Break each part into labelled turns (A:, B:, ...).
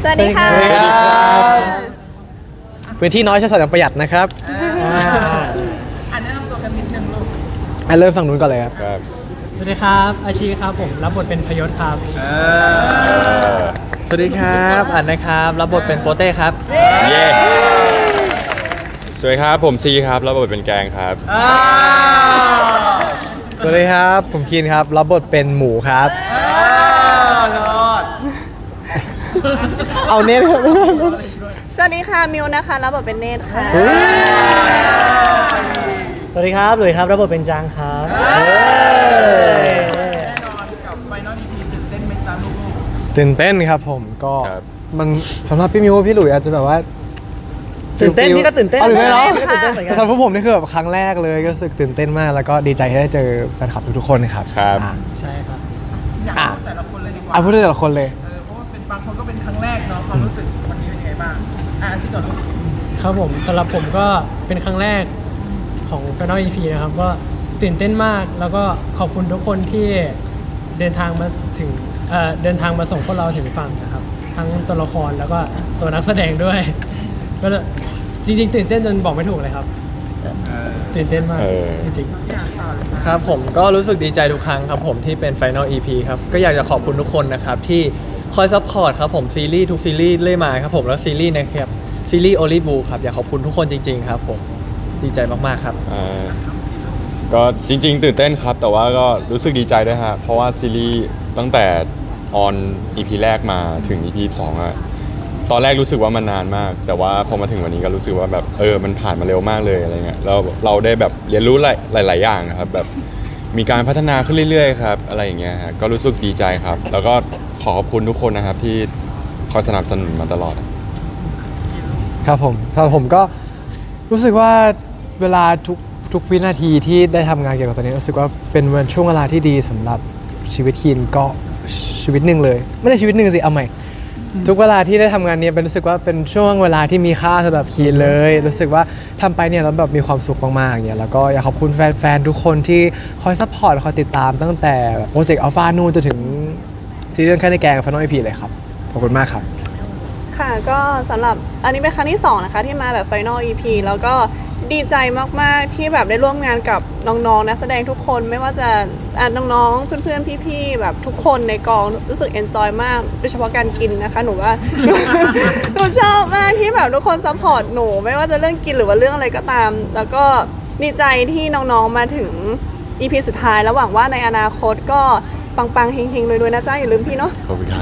A: สวัสดีค่ะ
B: สวัสดีครับพื้นที่น้อยใช้สอยอย่างประหยัดนะครับ
C: อันแนะนำตัวกันนิดนึงลูก
B: เริ่มฝั่งนู้นก่อนเลยครับ
D: สวัสดีครับอาชีครับผมรับบทเป็นพยศครับ
E: สวัสดีครับอันนะครับรับบทเป็นโปเต้ครับ
F: เย้สวัสดีครับผมซีครับรับบทเป็นแกงครับ
B: สวัสดีครับผมคีนครับรับบทเป็นหมูครับเอาเน้นครับ
A: สวัสดีค่ะมิวนะคะรับบทเป็นเนตค่ะ
D: สวัสดีครับหลุยครับรับบทเป็นจางครับ
C: แน่นอนกับไฟนอล EP ตื่นเต้นไหมจ๊ะลูก
B: ตื่นเต้นครับผมก็
F: ครับ
B: มันสำหรับพี่มิวพี่หลุยอาจจะแบบว่า
D: ตื่นเต้นพี่ก็ตื่นเต้น
B: เอาตื่นเต้นเนาะ
D: พี่ก็ตื่นเต้นเหมือนกั
B: แต่
D: น
B: สำหรับพวกผมนี่คือแบบครั้งแรกเลยก็รู้สึกตื่นเต้นมากแล้วก็ดีใจที่ได้เจอแฟนคลับทุกๆคนครับ
F: ครับ
B: อ่ะ
D: ใช่ครับ
C: อยากรู้แต่ละคนเลยดีกว่า
B: เอาพูดถึงแต่ละคนเลย
C: เพราะว่าเป็นบางคนก็เป็นครั้งแรกเนาะความรู้สึกวันนี้เป็นยังไงบ้างอาชีพก่อนลูก
D: ครับผมสำหรับผมก็เป็นครั้งแรกของ Final EP นะครับก็ตื่นเต้นมากแล้วก็ขอบคุณทุกคนที่เดินทางมาถึงเดินทางมาส่งพวกเราถึงฝั่งนะครับทั้งตัวละครแล้วก็ตัวนักแสดงด้วย ก็จริงๆตื่นเต้นจนบอกไม่ถูกเลยครับตื่นเต้นมากจริงๆ
E: ครับผมก็รู้สึกดีใจทุกครั้งครับผมที่เป็น Final EP ครับก็อยากจะขอบคุณทุกคนนะครับที่คอยซัพพอร์ตครับผมซีรีส์ทุกซีรีส์เรื่อยมาครับผมแล้วซีรีส์นะครับซีรีส์โอลิบูครับอยากขอบคุณทุกคนจริงๆครับผมดีใจมากๆครับ
F: ก็จริงๆตื่นเต้นครับแต่ว่าก็รู้สึกดีใจด้วยฮะเพราะว่าซีรีส์ตั้งแต่ออน EP แรกมาถึง EP 2อะตอนแรกรู้สึกว่ามันนานมาก แต่ว่าพอมาถึงวันนี้ก็รู้สึกว่าแบบมันผ่านมาเร็วมากเลยอะไรเงี้ยแล้วเราได้แบบเรียนรู้หลายๆอย่างนะครับแบบมีการพัฒนาขึ้นเรื่อยๆครับอะไรอย่างเงี้ยฮะก็รู้สึกดีใจครับ แล้วก็ขอบคุณทุกคนนะครับที่คอยสนับสนุนมาตลอด
B: ครับผมก็รู้สึกว่าเวลาทุกวินาทีที่ได้ทำงานเกี่ยวกับตัวนี้รู้สึกว่าเป็นวันช่วงเวลาที่ดีสำหรับชีวิตคีนก็ชีวิตหนึ่งเลยไม่ได้ชีวิตหนึ่งสิเอาใหม่ทุกเวลาที่ได้ทำงานเนี้เป็นรู้สึกว่าเป็นช่วงเวลาที่มีค่าสำหรับคีนเลยรู้สึกว่าทำไปเนี่ยแล้วแบบมีความสุขมากๆเนี่ยแล้วก็อยากขอบคุณแฟนๆทุกคนที่คอยซัพพอร์ตคอยติดตามตั้งแต่โปรเจกต์อัลฟานู่นจนถึงซีรีส์แค่ในแกงฟันน้อยพีเลยครับขอบคุณมากครับ
A: ค่ะก็สำหรับอันนี้เป็นครั้งที่2นะคะที่มาแบบ Final EP แล้วก็ดีใจมากๆที่แบบได้ร่วมงานกับน้องๆนักแสดงทุกคนไม่ว่าจะน้องๆเพื่อนๆพี่ๆแบบทุกคนในกองรู้สึกเอนจอยมากโดยเฉพาะการกินนะคะหนูว่า หนูชอบมากที่แบบทุกคนซัพพอร์ตหนูไม่ว่าจะเรื่องกินหรือว่าเรื่องอะไรก็ตาม แล้วก็ดีใจที่น้องๆมาถึง EP สุดท้ายแล้วหวังว่าในอนาคตก็ปังๆเฮงๆรวยๆนะจ๊ะอย่าลืมพี่เนาะ
F: ขอบคุณครับ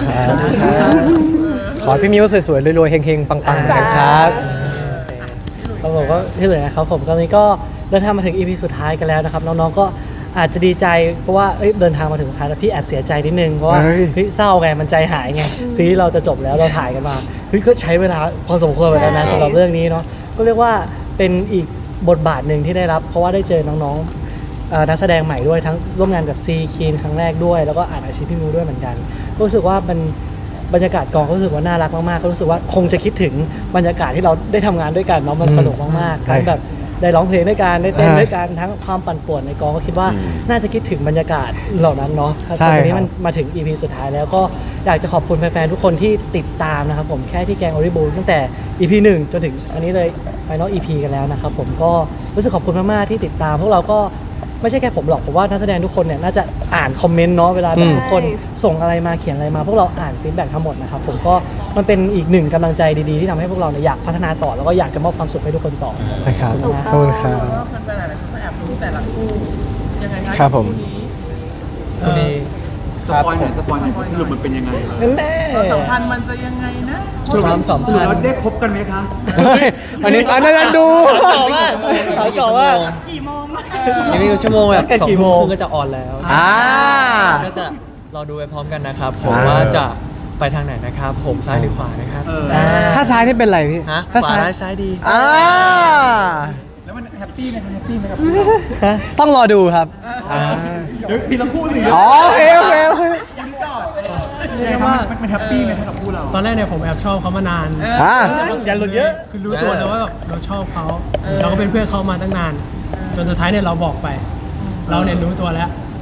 B: ขอให้พี่มิวสวยๆรวยๆเฮงๆปังๆนะครับ
D: ครับผมก็ที่เหลือนะครับผมตอนนี้ก็เดินทางมาถึง EP สุดท้ายกันแล้วนะครับน้องๆก็อาจจะดีใจเพราะว่าเดินทางมาถึงสุดท้ายแล้วพี่แอบเสียใจนิดนึงเพราะว่า
B: เฮ้ย
D: เศร้าไงมันใจหายไงซีรีส์เราจะจบแล้วเราถ่ายกันมาก็ใช้เวลาพอสมควรเหมือนกันนะสำหรับเรื่องนี้เนาะก็เรียกว่าเป็นอีกบทบาทหนึ่งที่ได้รับเพราะว่าได้เจอน้องๆนักแสดงใหม่ด้วยทั้งร่วมงานกับซีคีนครั้งแรกด้วยแล้วก็อ่านอาชีพพี่มิวด้วยเหมือนกันก็รู้สึกว่ามันบรรยากาศกองก็รู้สึกว่าน่ารักมากๆก็รู้สึกว่าคงจะคิดถึงบรรยากาศที่เราได้ทำงานด้วยกันเนาะมันสนุกมากๆ
B: ใช่
D: ทั้งแบบได้ร้องเพลงด้วยกันได้เต้นด้วยกันทั้งความปั่นป่วนในกองก็คิดว่าน่าจะคิดถึงบรรยากาศเหล่านั้นเนาะ
B: ใช่
D: ตอนนี้
B: ครับ
D: มันมาถึง EP สุดท้ายแล้วก็อยากจะขอบคุณแฟนๆทุกคนที่ติดตามนะครับผมแค่ที่แกงโอริบูตั้งแต่ EP 1 จนถึงอันนี้เลย Final EP กันแล้วนะครับผมก็รู้สึกขอบคุณมากๆที่ติดตามพวกเราก็ไม่ใช่แค่ผมหรอกผมว่านักแสดงทุกคนเนี่ยน่าจะอ่านคอมเมนต์เนาะเวลาแบบทุกคนส่งอะไรมาเขียนอะไรมาพวกเราอ่านฟีดแบ็กทั้งหมดนะครับผมก็มันเป็นอีกหนึ่งกำลังใจดีๆที่ทำให้พวกเราเนี่ยอยากพัฒนาต่อแล้วก็อยากจะมอบความสุขให้ทุกคนต่อ
B: นะครับ
D: ถูก
B: ขอบคุณครับ
C: แล้วแฟนๆหลายๆคนก็แอบรู้แต่ละคู่ยังไงคะ
B: ครับผม
C: คู่นี้
E: คู่นี้
G: สปอยหน่อยสปอยหน่อยสรุปมันเป็นยังไง
D: แน่
C: ความสัมพันธ์มันจะยังไงนะ
G: สรุป
D: ความสัม
G: สรุป
D: พัน
G: แล้ว
D: ธ์
G: ได้คบกันไหมคะ
B: เฮ้ยอันนั้นดู
D: ต่อว่าต่อว่า
C: กี่โมงนะ
E: ยังมีชั่วโมงแบบ
D: กัน
E: 2
D: กี่โม
E: โม
D: ง
E: งก็จะออนแล้ว
B: อ่า
E: ก็จะรอดูไปพร้อมกันนะครับผม
B: อ่า
E: ว่าจะไปทางไหนนะครับผมซ้ายหรือขวานะครับ
G: เออ
B: ถ้าซ้ายนี่เป็นไรพี่
E: ฮะ
B: ถ้า
E: ขวา
B: ซ้าย
E: ร้ายซ้ายดี
B: อ่า
G: แล้วมันแฮปปี้ไหมคะแฮปปี้ไหมครับ
B: ต้องรอดูครับ
G: เดี๋ยวทีละคู่สิ
B: อ๋อโอเคโอเคโอเค
G: ยังก่อนยังไงครับมันแฮปปี้ไหมครับกับคู่เรา
D: ตอนแรกเนี่ยผมแอบชอบเขามานาน
B: อ่า
D: อย่าหลุดเยอะคือรู้ตัวแล้วว่าแบบเราชอบเขาเราก็เป็นเพื่อนเขามาตั้งนาน จนสุดท้ายเนี่ยเราบอกไป เราเนี่ยรู้ตัวแล้ว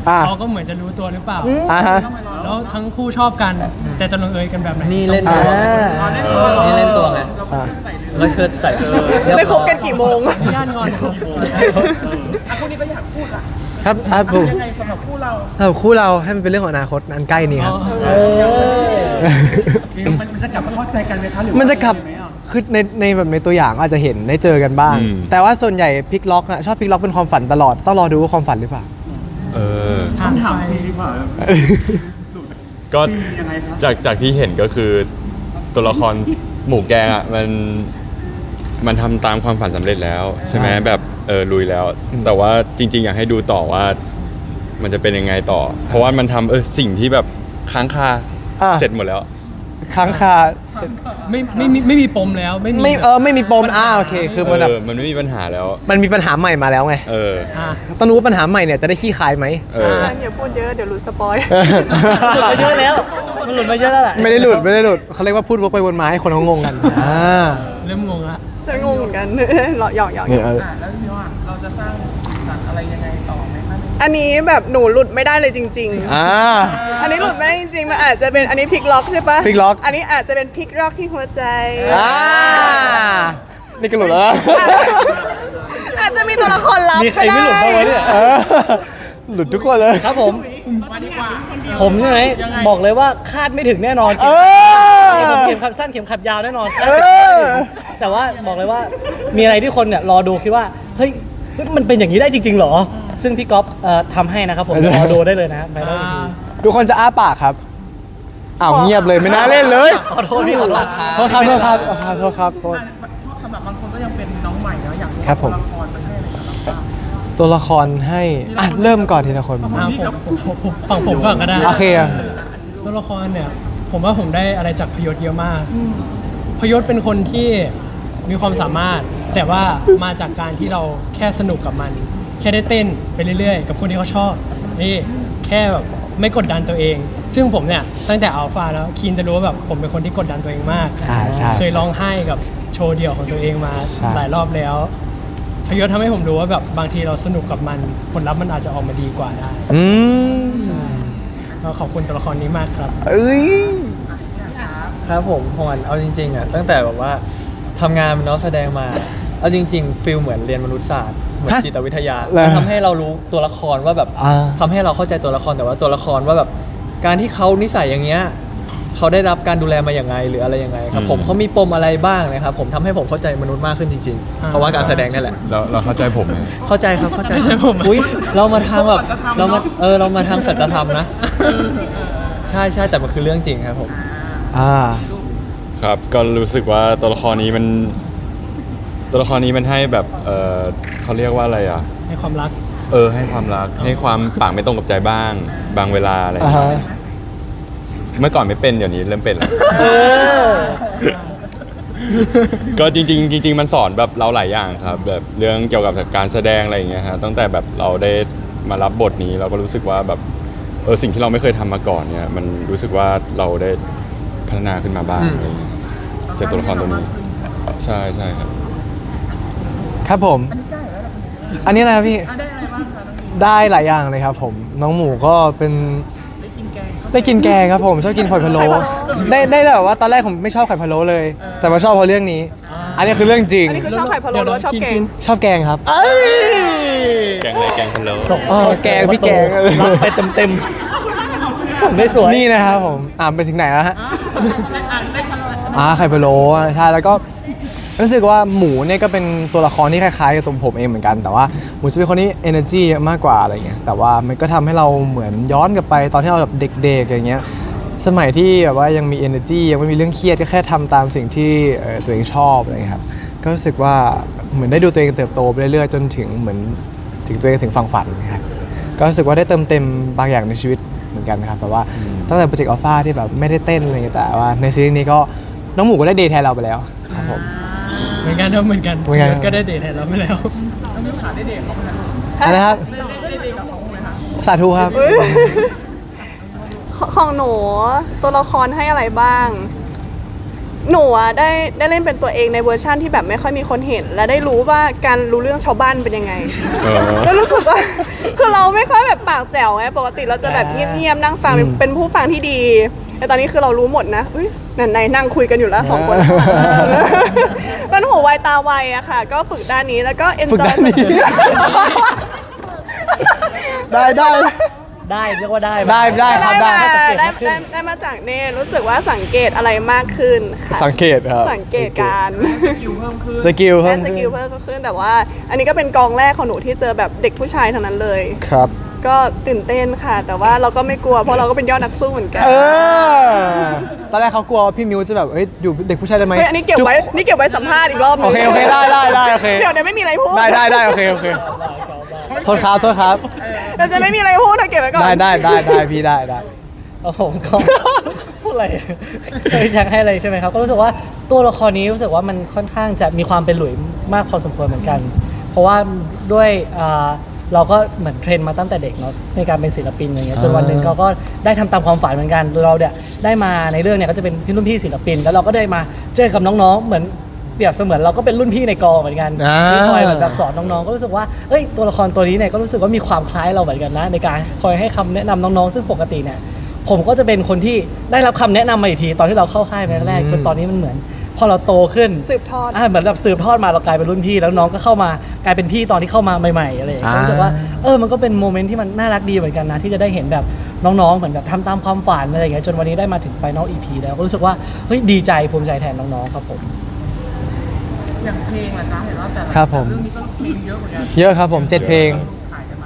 B: อ่า
H: เขาก็เหมือนจะรู้ตัวหรือเปล่า
B: อ่าฮะ
H: แล้วทั้งคู่ชอบกัน แต่จะลงเอยกันแบบไหน
E: นี่เล่น
B: อ่า
E: ตัวนี่เล่นตัวไง
B: อ่า
E: แล้วเชิดใส่เรียร้อย
A: ได้คบกันกี่โมง
H: ย่านงอนครับ
C: คู่นี้ก็อยากพูดละ
B: ครับผม
C: ยังไงสำหรับคู่เรา
B: สำหรับคู่เราให้มันเป็นเรื่องของอนาคตอันใกล้นี้ครับ
G: มันจะกลับมาเข้าใจกันไหมคะหรือ
B: มันจะกลับ
G: ไหมอ่ะ
B: คือในแบบในตัวอย่างอาจจะเห็นได้เจอกันบ้าง
F: อืม
B: แต่ว่าส่วนใหญ่พลิกล็อกอะชอบพลิกล็อกเป็นความฝันตลอด ต้องรอดูว่าความฝันหรือเปล่า
F: เออ
G: ต้องถามซีดีกว่า
F: ก็
G: ยังไงครับ
F: จากที่เห็นก็คือตัวละครหมูแกงอ่ะมันทำตามความฝันสำเร็จแล้ว ใช่ไหมแบบลุยแล้ว แต่ว่าจริง ๆ อยากให้ดูต่อว่ามันจะเป็นยังไงต่อ เพราะว่ามันทำสิ่งที่แบบค้างคา
B: อ่ะ
F: เสร็จหมดแล้ว
B: ค้างคา
H: ไม่มีปมแล้วไม่มี
B: ไม่มีปมโอเค คือมันแบบ
F: มันไม่มีปัญหาแล้ว
B: มันมีปัญหาใหม่มาแล้วไง
F: เออ
H: อ่ะ
B: ต้องรู้ว่าปัญหาใหม่เนี่ยจะได้ขี้คายไหม
F: เออ
A: อย่าพูดเยอะเดี๋ยวรู้สปอย
D: หลุดมาเยอะแล้ว มันหลุดมาเยอะแล้วแหละ
B: ไม่ได้หลุดเขาเรียกว่าพูดวกไปวนมาให้คนเขางงกัน
H: เริ่มงงละ
A: ฉันงงเหมือนกัน หยอก
B: เนี่ย
C: แล้วพี่ว่าเราจะสร้างสีสันอะไรยังไงต่อไหมคะ
A: อันนี้แบบหนูหลุดไม่ได้เลยจริง อันนี้หลุดไม่ได้จริงๆ มันอาจจะเป็นอันนี้พลิกล็อกใช่ปะ
B: พลิกล็อก
A: อันนี้อาจจะเป็นพลิกล็อกที่หัวใจ
B: นี่ก็หลุดแล้ว
A: อาจจะมีตัวละครลับ
D: มีใคร
A: ก็
D: ไม่หลุดบ้างวะ
A: ได้
D: เนี่ย
B: หลุดทุกคนเลย
D: ครับผม
C: มาดีกว่า
D: ผมใช่ไหมบอกเลยว่าคาดไม่ถึงแน่นอน
B: อ
D: ผมเข็มขัดสั้นเข็มขัดยาวแน่นอนคาด
B: เอ
D: ไม่ถึง
B: อ
D: แต่ว่าบอกเลยว่ามีอะไรที่คนเนี่ยรอดูคิดว่าเฮ้ยมันเป็นอย่างนี้ได้จริงๆเหรอ ซึ่งพี่ก๊อฟทำให้นะครับผมรอดูได้เลยนะไปแล้วดี
B: ทุกคนจะอ้าปากครับอ้าวเงียบเลยไม่น่าเล่นเลย
D: ขอโทษพี่ขอโทษ
B: โทษครับโทษครับ
C: สำหรับบางคนก็ยังเป็นน้องใหม่เนาะอยากรู้
B: ครับผม
C: ตัวละครมันให้อะไรกับเราบ้าง
B: ตัวละครให้เริ่มก่อนทีละคน
H: ผมฝั่งผมก่อนก็ได้
B: โอเคอะ
H: ตัวละครเนี่ย ผมว่าผมได้อะไรจากพยศเยอะมากพยศเป็นคนที่มีความสามารถ แต่ว่ามาจากการที่เราแค่สนุกกับมัน แค่ได้เต้นไปเรื่อยๆ กับคนที่เขาชอบนี่แค่แบบไม่กดดันตัวเอง ซึ่งผมเนี่ยตั้งแต่อัลฟาแล้วคีนจะรู้ว่าแบบผมเป็นคนที่กดดันตัวเองมาก
B: ใช่
H: เคยร้องไห้กับโชว์เดี่ยวของตัวเองมา
B: ใช่
H: หลายรอบแล้วพยศทำให้ผมรู้ว่าแบบบางทีเราสนุกกับมันผลลัพธ์มันอาจจะออกมาดีกว่าได้ ก็ขอบคุณตัวละครนี้มากครับ
B: เอ้ย
E: ครับผมพอนเอาจริงๆอ่ะตั้งแต่แบบว่าทำงานเป็นนักแสดงมาเอาจริงๆฟิลเหมือนเรียนมนุษยศาสตร์เหมือน
B: ฮะ
E: จิตวิทยา
B: เหรอ
E: มันทำให้เรารู้ตัวละครว่าแบบ
B: อ่า
E: ทำให้เราเข้าใจตัวละครแต่ว่าตัวละครว่าแบบการที่เขานิสัยอย่างเงี้ยเขาได้รับการดูแลมาอย่างไงหรืออะไรยังไงครับผมเขามีปมอะไรบ้างนะครับผมทำให้ผมเข้าใจมนุษย์มากขึ้นจริงๆ เพราะว่าการแสดงนี่แหละ
F: เราเข้าใจผมไหม
E: เข้าใจครับเข้าใจอุ้ยเรามาทางแบบเรามาทางสัจธรรมนะใช่แต่มันคือเรื่องจริงครับผม
F: ครับก็รู้สึกว่าตัวละครนี้มันให้แบบเขาเรียกว่าอะไรอ่ะ
H: ในความรัก
F: ให้ความรักให้ความปากไม่ตรงกับใจบ้างบางเวลาอะไรอย่างเงี้ยเมื่อก่อนไม่เป็นเดี๋ยวนี้เริ่มเป็นแล้ว ก็จริงๆมันสอนแบบเราหลายอย่างครับแบบเรื่องเกี่ยวกับการแสดงอะไรอย่างเงี้ยฮะตั้งแต่แบบเราได้มารับบทนี้เราก็รู้สึกว่าแบบสิ่งที่เราไม่เคยทำมาก่อนเนี่ยมันรู้สึกว่าเราได้พัฒนาขึ้นมาบ้างอะไรอย่างเงี้ยจากตัวละครตัวนี้ใช่ครับ
B: ครับผม อันนี้นะครับพี่
C: ได้อะไรบ้างคะน้องมี
B: ได้หลายอย่างเลยครับผม น้องหมูก็เป็น ได้กินแกงครับผม ชอบกินไข่พะโล้ได้แบบว่าตอนแรกผมไม่ชอบไข่พะโล้เลย แต่มาชอบเพราะเรื่องนี้ อันนี้คือเรื่องจริง
A: อันนี้คือชอบไข่พะโล้หรือว่าชอบแกง
B: ชอบแกงครับ
F: แกงอะไรแกงพะโล้
B: แกงพี่แกง
D: รับไปเต็มๆส่งได้สวย
B: นี่นะครับผมไปถึงไหนแล้วฮะไข่พะโล้ใช่แล้วก็รู้สึกว่าหมูเนี่ยก็เป็นตัวละครที่คล้ายๆกับตัวผมเองเหมือนกัน แต่ว่าหมูจะเป็นคนที่ energy เยอะมากกว่าอะไรเงี้ยแต่ว่ามันก็ทำให้เราเหมือนย้อนกลับไปตอนที่เราแบบเด็กๆอย่างเงี้ยสมัยที่แบบว่ายังมี energy ยังไม่มีเรื่องเครียดก็แค่ทำตามสิ่งที่ตัวเองชอบอะไรเงี้ยครับก็รู้สึกว่าเหมือนได้ดูตัวเองเติบโตไปเรื่อยๆจนถึงเหมือนถึงตัวเองถึงฝั่งฝันนะครับก็รู้สึกว่าได้เติมเต็มบางอย่างในชีวิตเหมือนกันนะครับแต่ว่าตั้งแต่โปรเจกต์อัลฟาที่แบบไม่ได้เต้นอะไรเงี้ยแต่ว่าในซีรีส์นี้ก็น้องหมูก็ได้เดทแทนเราไปแล้วครับผม
H: เหมือนกันครับเหมือนกัน
B: เหมือนกัน
H: ก็ได้เดทแทนเราไปแล้ว
C: น้องมิวขาได้เด็กเขาไหมคะ
B: อะไรนะครับ
C: ได้เด็กกับเขาไหมคะ
B: สาธุครับ
A: ของหนูตัวละครให้อะไรบ้างหนูอะได้เล่นเป็นตัวเองในเวอร์ชั่นที่แบบไม่ค่อยมีคนเห็น และได้รู้ว่าการรู้เรื่องชาวบ้านเป็นยังไง
F: เออ
A: แล้วรู้สึกว่า คือเราไม่ค่อยแบบปากแจ๋วไงปกติเราจะแบบเงียบๆนั่งฟังเป็นผู้ฟังที่ดี แต่ตอนนี้คือเรารู้หมดนะอุ้ยไหนนั่งคุยกันอยู่แล้วสองคน มันหูไวตาไวอะค่ะ ก็ฝึกด้านนี้แล้วก็
B: ฝึก
A: enjoy
B: ด้านนี้ ได้ได้
D: ได้เรียกว่าได้
B: ได้ครับได้
A: ได้มาจากเน่รู้สึกว่าสังเกตอะไรมากขึ้นค่ะ
B: สังเกตครับ
A: สังเกตการ
C: สกิลเพิ่มขึ้น
B: สกิล
A: ได้
B: เพิ่ม
A: สกิลเพิ่มขึ้นแต่ว่า อันนี้ก็เป็นกองแรกของหนูที่เจอแบบเด็กผู้ชายทั้งนั้นเลย
B: ครับ
A: ก็ตื่นเต้นค่ะ แต่ว่าเราก็ไม่กลัวเพราะเราก็เป็นยอดนักสู้เหมือนกัน
B: ตอนแรกเขากลัวว่าพี่มิวจะแบบเอ้ยอยู่เด็กผู้ชายได้ไหม
A: เฮ้ยอันนี้เก็บไว้สัมภาษณ์อีกรอบนึง
B: โอเคโอเคได้โอเค
A: เดี๋ยวไม่มีอะไรพูด
B: ได้โอเคโทษครับ
A: เดี๋ยวจะไม่มีอะไรพูดเธอเก็บไว้ก่อน
B: ได้พี่ได้
D: ผมก็ พูดอะไรอยากให้อะไรใช่ไหมครับ ก็รู้สึกว่าตัวละครนี้รู้สึกว่ามันค่อนข้างจะมีความเป็นหลุยมากพอสมควรเหมือนกัน เพราะว่าด้วยเราก็เหมือนเทรนมาตั้งแต่เด็กเนาะในการเป็นศิลปินอย่างเงี้ยจนวันหนึ่งเราก็ได้ทำตามความฝันเหมือนกันเราเนี่ยได้มาในเรื่องเนี่ยก็จะเป็นพี่รุ่นพี่ศิลปิน แล้วเราก็ได้มาเจอกับน้องๆเหมือนเปรียบเสมือนเราก็เป็นรุ่นพี่ในกองเหมือนกันที่คอยแบบสอนน้องๆก็รู้สึกว่าเอ้ยตัวละครตัวนี้เนี่ยก็รู้สึกว่ามีความคล้ายเราเหมือนกันนะในการคอยให้คำแนะนำน้องๆซึ่งปกติเนี่ยผมก็จะเป็นคนที่ได้รับคำแนะนำมาอีกทีตอนที่เราเข้าค่ายแรกๆจนตอนนี้มันเหมือนพอเราโตขึ้น
A: สืบทอด
D: เหมือนแบบสืบทอดมาเรากลายเป็นรุ่นพี่แล้วน้องก็เข้ามากลายเป็นพี่ตอนที่เข้ามาใหม่ๆอะไรอย่างเงี้ยรู้สึกว่ามันก็เป็นโมเมนต์ที่มันน่ารักดีเหมือนกันนะที่จะได้เห็นแบบน้องๆเหมือนแบบทำตามความฝันอะไรอย่างเงี้ยจนวันนี้ได้มาถึงไฟนอล EP แล้วก็รู้สึกว่าเฮ้ยดีใจภูมิใจแทนน้องๆครับผม
C: อย่างเพลงล่ะจ๊ะเห็นว่าแต่ละ
B: ครับผม
C: เรื่องนี้ก็เพลงเยอะเหมือนกัน
B: เยอะครับผม7เพลง
C: ขายกันมา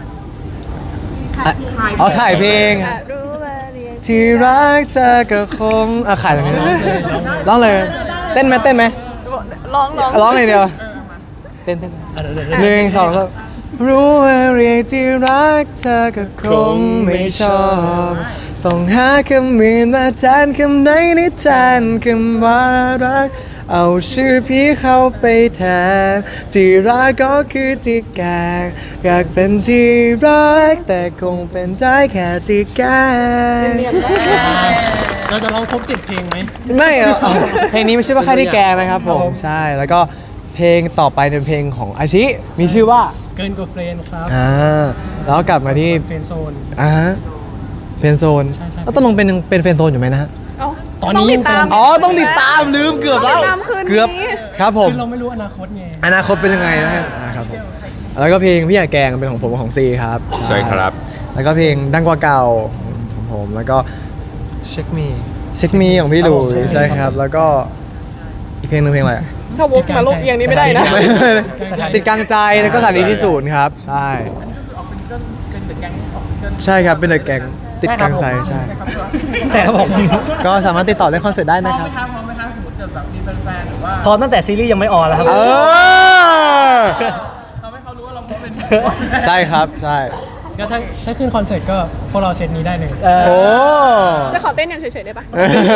B: ขายเพลง
A: อ่ะรู้ว่าเรียน
B: ที่รักเธอก็คงขายอะไรไม่ได้ร้องเลย เต้นไหม
A: ร้อง
B: เลยเดียวเต้นหนึ่งสองแล้วรู้ว่าเรียกที่รักเธอก็คงไม่ชอบต้องหาคำอื่นมาแทนคำไหนในแทนคำว่ารักเอาชื่อพี่เข้าไปแทนที่รักก็คือที่แกงอยากเป็นที่รักแต่คงเป็นได้แค่ที่แกง
H: เราจะร้องครบ7เพลงไหม
B: ไม่อะเพลงนี้ไม่ใช่ว่าแค่ที่แกงนะครับผมใช่แล้วก็เพลงต่อไปเป็นเพลงของอาชิมีชื่อว่า
H: เกินกว่าเฟรนด์ครับ
B: แล้วกลับมาที่
H: เฟรนด์โซน
B: เฟนโซน
H: ใช่
B: แล้วต้องลงเป็นเฟนโซนอยู่ไหมนะฮะ
A: เอ้า
H: ตอนนี้
A: งติดตาม
B: ต้องติดตามลืมเกือบแล้ว
A: ต้องติดตามคืนนี้
B: เกือบครับผม
H: คือเราไม่รู้อนาคตไง
B: อนาคตเป็นยังไงนะฮะครับผมแล้วก็เพลงพี่อยากแกงเป็นของผมกับของซีครับ
F: ใช่ครับ
B: แล้วก็เพลงดังกว่าเก่าของผมแล้วก็
E: เช็คมี
B: เช็คมีของพี่หลุยใช่ครับ แล้วก็อีกเพลงหนึงเพลงอะไรอะ
A: ถ้าวกมาโลกเอียงนี้ไม่ได้นะ
B: ติดกลางใจแล้วก็สถานีที่ศูนย์ครับ ใช่
C: ออกซิงเกิลเป็นเดอะแก๊งออกซิงเกิล
B: ใช่ครับเป็นเดอะแกงติดกลางใจใช่
C: ใช่ครับ
D: แต่ครับผม
B: ก็สามารถติดต่อเล่นคอนเสิร์ตได้
C: พร้อ
B: นะ
C: ม
B: ค
C: ไห
B: รั
C: ม
B: บ
C: ครับพร้อมไหมครับสมมติเกิดแบบมีแฟนๆหรือว่า
D: พร้อมตั้งแต่ซีรีส์ยังไม่ออนแล้วครับ
B: เออ
C: ทำให้เขารู้ว่าเราพร้อมเป็น
B: ใช่ครับใช่
H: ก็ถ้าขึ้นคอนเสิร์ตก็พวกเราเซตนี้ได้เลย
B: โอ้
A: จะขอเต้นอย่างเฉยๆได้ปะ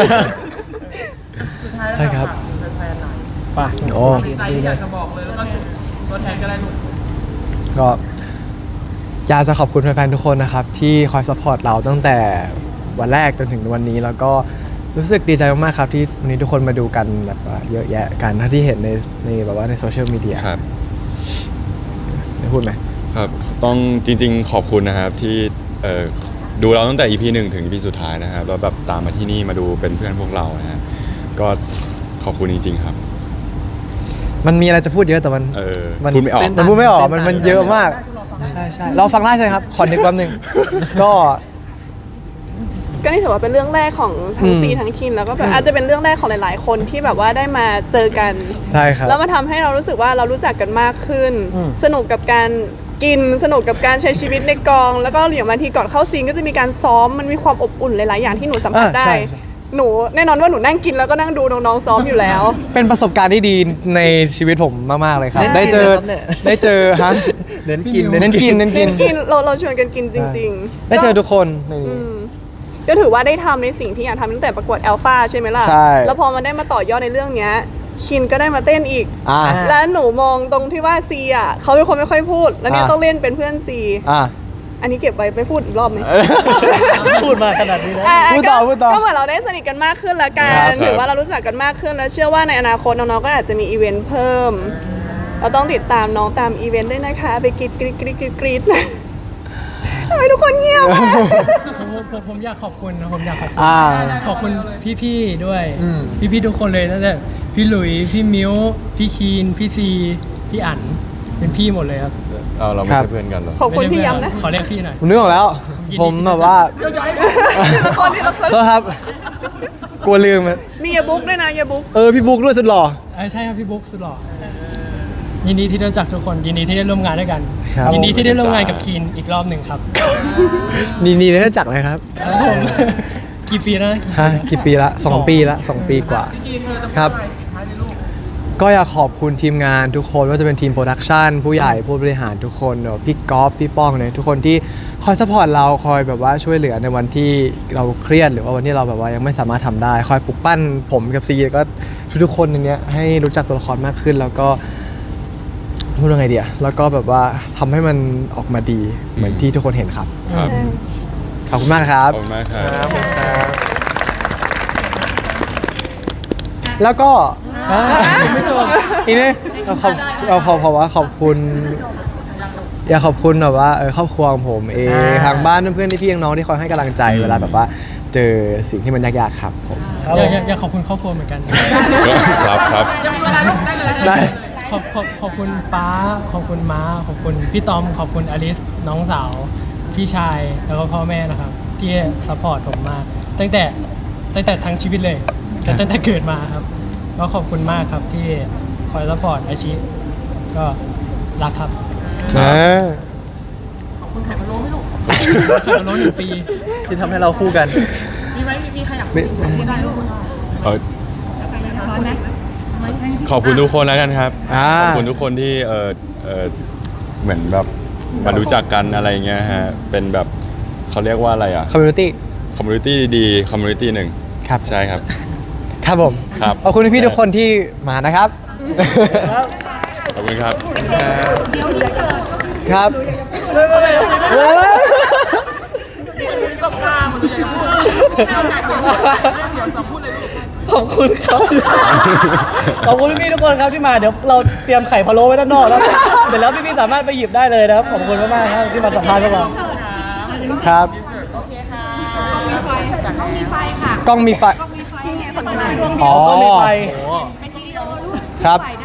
C: สุดท้าย
B: ใช่ครับ
C: แฟนๆหน่อย
D: ป่ะ
B: โอ้
C: ใจที่อยากจะบอกเลยแล้วก็ตัวแทนก็ได้ลูก
B: ก็อยากจะขอบคุณแฟนๆทุกคนนะครับ ที่คอยซัพพอร์ตเราตั้งแต่วันแรกจนถึงวันนี้ แล้วก็รู้สึกดีใจมากๆครับที่วันนี้ทุกคนมาดูกันแบบว่าเยอะแยะกันถ้าที่เห็นในแบบว่าในโซเชียลมีเดีย
F: ครับ
B: ได้พูดไหม
F: ครับต้องจริงๆขอบคุณนะครับที่ดูเราตั้งแต่ EP 1 ถึง EP สุดท้ายนะครับแล้วแบบตามมาที่นี่มาดูเป็นเพื่อนพวกเรานะฮะก็ขอบคุณจริงๆครับ
B: มันมีอะไรจะพูดเยอะแต่มัน
F: พูดไม่ออก
B: มันพูดไม่ออกมันเยอะมากใช่ใช่เราฟังได้ใช่ไหมครับขอนึกแป๊บนึงก็
A: ก็นี่ถือว่าเป็นเรื่องแรกของทั้งซีทั้งคินแล้วก็แบบอาจจะเป็นเรื่องแรกของหลายๆ คนที่แบบว่าได้มาเจอกัน
B: ใช่ครับ
A: แล้วมาทำให้เรารู้สึกว่าเรารู้จักกันมากขึ้น สนุกกับการกินสนุกกับการใช้ชีวิตในกอง แล้วก็อย่างบางทีก่อนเข้าซีนก็จะมีการซ้อมมันมีความอบอุ่นหลายๆอย่างที่หนูสัมผัสได้
B: ใช่ใช่
A: หนูแน่นอนว่าหนูนั่งกินแล้วก็นั่งดูน้องๆซ้อมอยู่แล้ว
B: เป็นประสบการณ์ที่ดีในชีวิตผมมากๆเลยครับ
A: ใช่
B: ได้เจอฮะ
H: เน้นกิน
B: เน้นกิน
A: กินเราชวนกันกินจริงๆ
B: ได้เจอทุกคนในนี้
A: ก็ถือว่าได้ทำในสิ่งที่อยากทำตั้งแต่ประกวดแอลฟาใช่ไหมล่ะ
B: ใช่
A: แล้วพอมาได้มาต่อยอดในเรื่องเนี้ยคินก็ได้มาเต้นอีก
B: อ่า
A: แล้วหนูมองตรงที่ว่าซีอ่ะเขาเป็นคนไม่ค่อยพูด แล้วเนี่ย
B: อ่า
A: ต้องเล่นเป็นเพื่อนซี
B: อ่า
A: อันนี้เก็บไว้ไปพูดอีกรอบไหม
D: พูดมาขนาดนี้แล้ว
B: พูดต่อ
A: ก็เหมือนเราได้สนิทกันมากขึ้นละกั
F: ครั
A: น
F: บ
A: หรือว่าเรารู้จักกันมากขึ้นแล้วเชื่อว่าในอนาคตน้องๆก็อาจจะมีอีเวนต์เพิ่ม เราต้องติดตามน้องตามอีเวนต์ด้วยนะคะ ไปกรีดทำไมทุกคนเงียบอะ
H: ผมอยากขอบคุณนะผมอยากขอบคุณ
B: อ่า
H: ขอบคุณพี่ๆด้วย
B: อืม
H: พี่ๆทุกคนเลยตั้งแต่พี่หลุยพี่มิ้วพี่คีนพี่ซีพี่อั๋นเป็นพี่หมดเลยครับ
F: เราไม่
B: ครับ
F: ใช่เพื่อนกันเหรอ
A: ขอบคุณที่ย้ำนะ
H: ขอเรียกพี่หน่อย
B: ผมนึกออกแล้ว ผมแบบว่า
A: ทีละคนทีละคน
B: โทษครับ กลัวลืมอะ
A: มีเยบุ๊กด้วยนะเยบุ๊ก
B: พี่บุ๊กด้วยสุดหล่อ
H: ใช่ครับพี่บุ๊กสุดหล่อยินดีที่ได้รู้จักทุกคนยินดีที่ได้ร่วมงานด้วยกัน
B: ครับ
H: ยินดีที่ได้ร่วมงานกับคีนอีกรอบหนึ่งครับ
B: นี่ได้จักเลยครับ
H: ครับผม กี่ปีแล้วนะ
B: ฮะ กี่ปีละ2 ปีละ2 ปีกว่า
C: พี่กีนเธอจะพูด
B: ครับ
C: อะไรปิดท้ายในลูก
B: ก็อยากขอบคุณทีมงานทุกคนว่าจะเป็นทีมโปรดักชันผู้ใหญ่ผู้บริหารทุกคนเนอะพี่ก๊อฟพี่ป้องเนี่ยทุกคนที่คอยซัพพอร์ตเราคอยแบบว่าช่วยเหลือในวันที่เราเครียดหรือว่าวันที่เราแบบว่ายังไม่สามารถทำได้ คอยปลุกปั้นผมกับซีแล้วก็ทุกๆคนในเนี้ยให้รู้จักตัวละครมากขึ้น แล้วก็พูดยังไงเดียแล้วก็แบบว่าทำให้มันออกมาดีเหมือนที่ทุกคนเห็นครับ
F: ครับ
B: ขอบคุณมากครั
F: ข
B: บ
F: อบคุณมากครับ
B: แล้วก็
H: ไม่จบ
B: อีกนิดเราขอว่าขอบคุณ อยากขอบคุณแบบว่าครอบครัวของผมเองทางบ้านเพื่อนๆที่พี่น้องๆที่คอยให้กำลังใจเวลาแบบว่าเจอสิ่งที่มันยากๆครับผม
D: ครับผม
H: อยากขอบคุณครอบครัวเหมือนกัน
F: ครับครับ
C: ยังมีเวลาลูกได้เลย
B: ได้
H: ขอบคุณป้าขอบคุณม้าขอบคุณพี่ตอมขอบคุณอลิสน้องสาวพี่ชายแล้วก็พ่อแม่นะครับที่ซัพพอร์ตผมมากตั้งแต่ทั้งชีวิตเลยแต่ตั้งแต่เกิดมาครับก็ขอบคุณมากครับที่คอยซัพพอร์ตอาชีพก็รักครับ
C: ขอบคุณไข่พะโล้ไหม่ลูก
H: เคยมาโน้1 ปี
E: ที่ทำให้เราคู่กัน
C: มีไหมมีใครอยากพูดได้ลูก
F: เอ่อขอบคุณทุกคนแล้วกันครับ ขอบคุณทุกคนที่เหมือนแบบมารู้จักกันอะไรเงี้ยฮะ เป็นแบบเขาเรียกว่าอะไรอ่ะ
B: คอมมูนิตี้
F: คอมมูนิตี้ดีๆคอมมูนิตี้หนึ่ง
B: ครับ
F: ใช่ครับ
B: ครับผม
F: ครับ
B: ขอบคุณพี่ๆทุกคนที่มานะครับ
F: ขอบคุณครับ
B: ครับ
C: สบตาเหมือนอยากจะพูดให้โอกาสหนูให้เสียงสองพูดเลยลูก
D: ขอบคุณครับ ขอบคุณพี่ๆทุกคนครับที่มาเดี๋ยวเราเตรียมไข่พะโล้ไว้ด้านนอกแล้วเดี๋ยวแล้วพี่ๆสามารถไปหยิบได้เลยนะครับขอบคุณมากๆครับที่มาสัมภาษณ์พวกเรา
B: ครับ กล้องมีไฟ
A: นี่ไงคนข้างหน้า
B: อ๋อ
D: ก็มีไฟ
B: ครับ
I: ได้